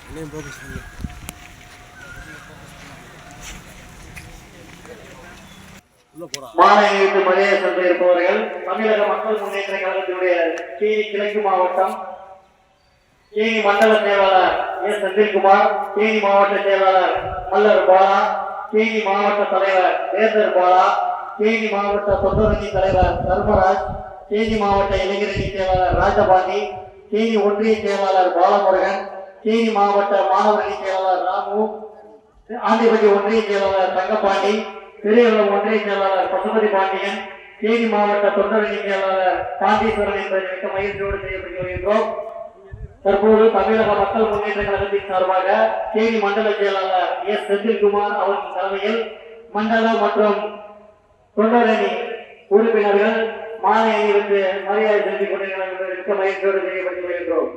மாலை அணிவித்து மரியாதை சென்று இருப்பவர்கள் தமிழக மக்கள் முன்னேற்ற கழகத்தினுடைய தேனி கிழக்கு மாவட்டம் தேனி மண்டல செயலாளர் எஸ் செந்தில்குமார், தேனி மாவட்ட செயலாளர் மல்லர் பாலா, தேனி மாவட்ட தலைவர் வேந்தர் பாலா, தேனி மாவட்ட தொண்டரணி தலைவர் தர்மராஜ், தேனி மாவட்ட இளைஞரணி செயலாளர் ராஜபாண்டி, தேனி ஒன்றிய செயலாளர் பாலமுருகன், தேனி மாவட்ட மாணவரணி செயலாளர் ராமு, ஆண்டிபட்டி ஒன்றிய செயலாளர் தங்கப்பாண்டி, பெரியகுளம் ஒன்றிய செயலாளர் பசுபதி பாண்டியன், தேனி மாவட்ட தொண்டரணி செயலாளர் பாண்டீஸ்வரன் என்பதை மிக மகிழ்ச்சியோடு செய்யப்பட்டு வருகின்றோம். தற்போது தமிழக மக்கள் முன்னேற்ற கழகத்தின் சார்பாக தேனி மண்டல செயலாளர் எஸ் செந்தில்குமார் அவர்கள் தலைமையில் மண்டல மற்றும் தொண்டரணி உறுப்பினர்கள் மாலை அணிவித்து மரியாதை செலுத்திக் கொண்டிருக்கிறார்கள். மிக்க மகிழ்ச்சியோடு செய்யப்பட்டு வருகின்றோம்.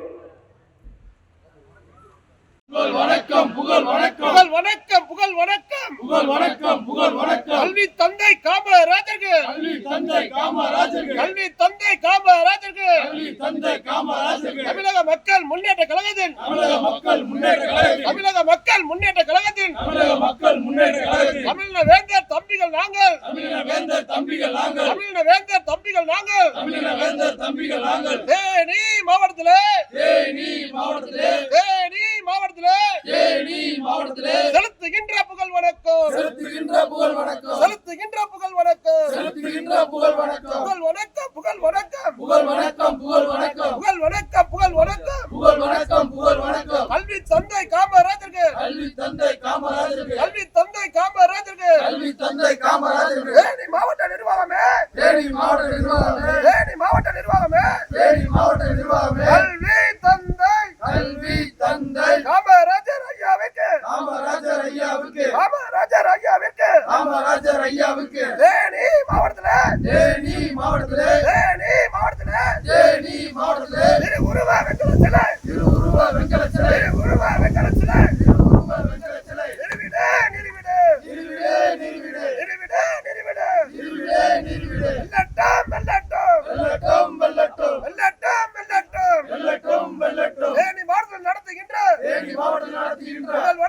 புகழ் வணக்கம், புகழ் வணக்கம், புகழ் வணக்கம், புகழ் வணக்கம், புகழ் வணக்கம், புகழ் வணக்கம். கல்வி தந்தை காமராஜருக்கு, கல்வி தந்தை காமராஜருக்கு, கல்வி தந்தை காமராஜருக்கு, கல்வி தந்தை காமராஜருக்கு. தமிழக மக்கள் முன்னேற்ற கழகத்தின், தமிழக மக்கள் முன்னேற்ற கழகத்தின், தமிழக மக்கள் முன்னேற்ற கழகத்தின், தமிழக மக்கள் முன்னேற்ற கழகத்தின். தமிழக வேந்தர் தம்பிகள் நாங்கள், தமிழக வேந்தர் தம்பிகள் நாங்கள், தமிழக வேந்தர் தம்பிகள் நாங்கள், தமிழக வேந்தர் தம்பிகள் நாங்கள். தேனி மாவட்டத்திலே, தேனி மாவட்டத்திலே, தேனி மாவட்டத்திலே, தேனி மாவட்டத்திலே செலுத்துகின்ற புகழ் வணக்கம், செலுத்துகின்ற புகழ் வணக்கம், செலுத்துகின்ற புகழ் வணக்கம், செலுத்துகின்ற புகழ் வணக்கம். புகழ் வணக்கம், புகழ் வணக்கம், புகழ் வணக்கம், புகழ் வணக்கம், புகழ் வணக்கம், புகழ் வணக்கம், புகழ் வணக்கம், புகழ் வணக்கம். கல்வி தந்தை காமராஜருக்கு, கல்வி தந்தை காமராஜருக்கு, கல்வி தந்தை காமராஜருக்கு, கல்வி தந்தை காமராஜருக்கு. தேனி மாவட்ட நிர்வாகமே, தேனி மாவட்ட நிர்வாகமே, தேனி மாவட்ட நிர்வாகமே, தேனி மாவட்ட நிர்வாகமே. கல்வி தந்தை, கல்வி தந்தை காமராஜர் ஐயாவுக்கு, காமராஜர் ஐயாவுக்கு, காமராஜர் ஐயாவுக்கு, காமராஜர் ஐயாவுக்கு. தேனி மாவட்டத்திலே, தேனி மாவட்டத்திலே, தேனி மாவட்டத்திலே, தேனி மாவட்டத்திலே திருவுருவ வெங்கல சிலை, திருவுருவ வெங்கல சிலை, திருவுருவ வெங்கல சிலை, திருவுருவ வெங்கல சிலை. நிறுவிடு, நிறுவிடு, நிறுவிடு, நிறுவிடு, நிறுவிடு, நிறுவிடு, நிறுவிடு, நிறுவிடு. வெல்லட்டும், வெல்லட்டும், வெல்லட்டும், வெல்லட்டும், வெல்லட்டும், வெல்லட்டும், வெல்லட்டும், வெல்லட்டும். தேனி மாவட்டத்தில் நடத்துகின்ற, தேனி மாவட்டத்தில் நடத்துகின்ற